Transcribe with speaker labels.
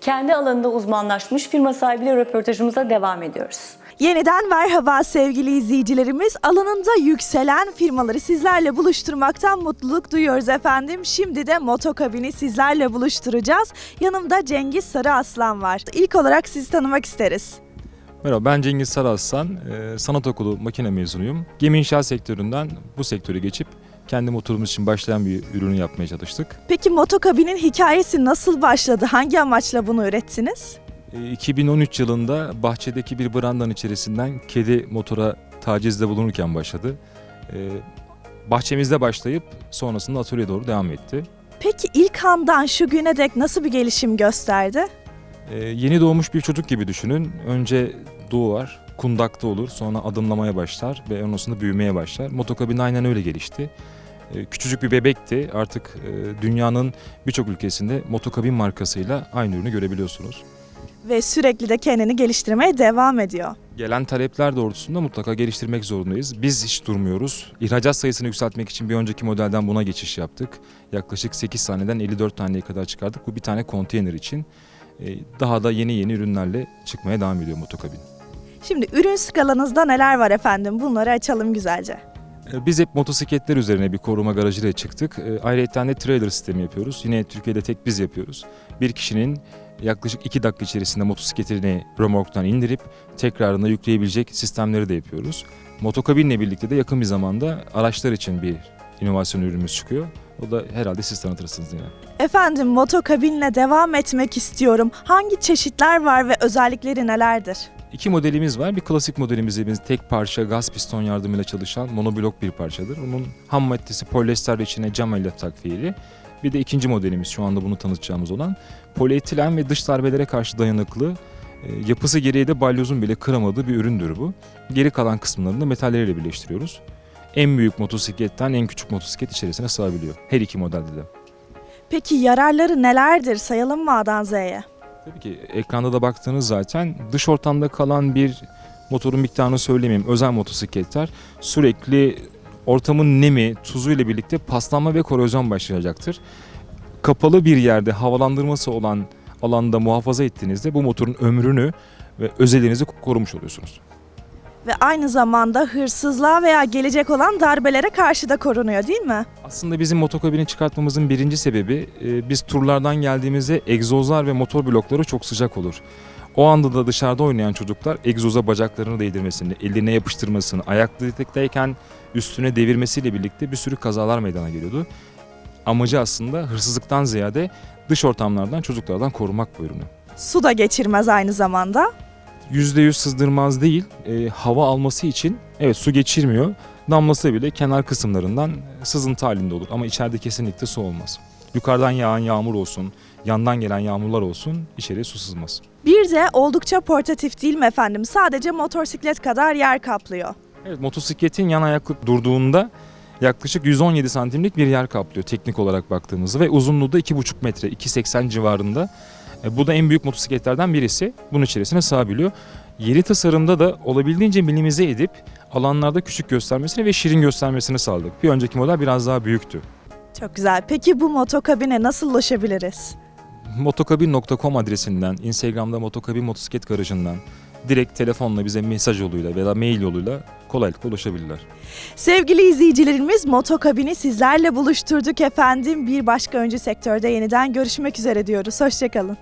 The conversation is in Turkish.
Speaker 1: kendi alanında uzmanlaşmış firma sahibiyle röportajımıza devam ediyoruz.
Speaker 2: Yeniden merhaba sevgili izleyicilerimiz. Alanında yükselen firmaları sizlerle buluşturmaktan mutluluk duyuyoruz efendim. Şimdi de Motokabin'i sizlerle buluşturacağız. Yanımda Cengiz Sarıaslan var. İlk olarak sizi tanımak isteriz.
Speaker 3: Merhaba, ben Cengiz Sarıaslan, sanat okulu makine mezunuyum. Gemi inşaat sektöründen bu sektöre geçip kendi motorumuz için başlayan bir ürünü yapmaya çalıştık.
Speaker 2: Peki Motokabin'in hikayesi nasıl başladı? Hangi amaçla bunu ürettiniz?
Speaker 3: 2013 yılında bahçedeki bir brandanın içerisinden kedi motora tacizde bulunurken başladı. Bahçemizde başlayıp sonrasında atölyeye doğru devam etti.
Speaker 2: Peki ilk andan şu güne dek nasıl bir gelişim gösterdi?
Speaker 3: Yeni doğmuş bir çocuk gibi düşünün. Önce doğar, kundakta olur, sonra adımlamaya başlar ve ondan büyümeye başlar. Motokabin aynen öyle gelişti. Küçücük bir bebekti. Artık dünyanın birçok ülkesinde Motokabin markasıyla aynı ürünü görebiliyorsunuz.
Speaker 2: Ve sürekli de kendini geliştirmeye devam ediyor.
Speaker 3: Gelen talepler doğrultusunda mutlaka geliştirmek zorundayız. Biz hiç durmuyoruz. İhracat sayısını yükseltmek için bir önceki modelden buna geçiş yaptık. Yaklaşık 8 taneden 54 taneye kadar çıkardık. Bu bir tane konteyner için. Daha da yeni ürünlerle çıkmaya devam ediyor Motokabin.
Speaker 2: Şimdi ürün skalanızda neler var efendim? Bunları açalım güzelce.
Speaker 3: Biz hep motosikletler üzerine bir koruma garajıyla çıktık. Ayrıca de trailer sistemi yapıyoruz. Yine Türkiye'de tek biz yapıyoruz. Bir kişinin yaklaşık 2 dakika içerisinde motosikletini römorktan indirip tekrarında yükleyebilecek sistemleri de yapıyoruz. Motokabinle birlikte de yakın bir zamanda araçlar için bir inovasyon ürünümüz çıkıyor. O da herhalde siz tanıtırsınız yine.
Speaker 2: Efendim Motokabin'le devam etmek istiyorum. Hangi çeşitler var ve özellikleri nelerdir?
Speaker 3: 2 modelimiz var. Bir klasik modelimiz dediğimiz tek parça gaz piston yardımıyla çalışan monoblok bir parçadır. Onun ham maddesi polyester ve içine cam elyaf takviyeli. Bir de ikinci modelimiz şu anda bunu tanıtacağımız olan polietilen ve dış darbelere karşı dayanıklı, yapısı gereği de balyozun bile kıramadığı bir üründür bu. Geri kalan kısımlarını da metalleriyle birleştiriyoruz. En büyük motosikletten en küçük motosiklet içerisine sığabiliyor. Her iki modelde de.
Speaker 2: Peki yararları nelerdir? Sayalım mı A'dan Z'ye?
Speaker 3: Tabii ki ekranda da baktığınız zaten dış ortamda kalan bir motorun miktarını söylemeyeyim. Özel motosikletler sürekli ortamın nemi, tuzu ile birlikte paslanma ve korozyon başlayacaktır. Kapalı bir yerde havalandırması olan alanda muhafaza ettiğinizde bu motorun ömrünü ve özelliğinizi korumuş oluyorsunuz.
Speaker 2: Ve aynı zamanda hırsızlığa veya gelecek olan darbelere karşı da korunuyor değil mi?
Speaker 3: Aslında bizim Motokabin'i çıkartmamızın birinci sebebi biz turlardan geldiğimizde egzozlar ve motor blokları çok sıcak olur. O anda da dışarıda oynayan çocuklar egzoza bacaklarını değdirmesini, eline yapıştırmasını, ayaklıktayken üstüne devirmesiyle birlikte bir sürü kazalar meydana geliyordu. Amacı aslında hırsızlıktan ziyade dış ortamlardan, çocuklardan korumak bu ürünü.
Speaker 2: Su da geçirmez aynı zamanda.
Speaker 3: %100 sızdırmaz değil, hava alması için evet su geçirmiyor. Damlası bile kenar kısımlarından sızıntı halinde olur ama içeride kesinlikle su olmaz. Yukarıdan yağan yağmur olsun, yandan gelen yağmurlar olsun içeriye su sızmaz.
Speaker 2: Bir de oldukça portatif değil mi efendim? Sadece motosiklet kadar yer kaplıyor.
Speaker 3: Evet, motosikletin yan ayaklı durduğunda yaklaşık 117 santimlik bir yer kaplıyor teknik olarak baktığımızda ve uzunluğu da 2,5 metre, 2,80 civarında. Bu da en büyük motosikletlerden birisi. Bunun içerisine sığabiliyor. Yeri tasarımda da olabildiğince minimize edip alanlarda küçük göstermesini ve şirin göstermesini sağladık. Bir önceki model biraz daha büyüktü.
Speaker 2: Çok güzel. Peki bu Motokabin'e nasıl ulaşabiliriz?
Speaker 3: Motokabin.com adresinden, Instagram'da Motokabin Motosiklet Garajı'ndan direkt telefonla bize mesaj yoluyla veya mail yoluyla kolaylıkla ulaşabilirler.
Speaker 2: Sevgili izleyicilerimiz Motokabin'i sizlerle buluşturduk efendim. Bir başka öncü sektörde yeniden görüşmek üzere diyoruz. Hoşçakalın.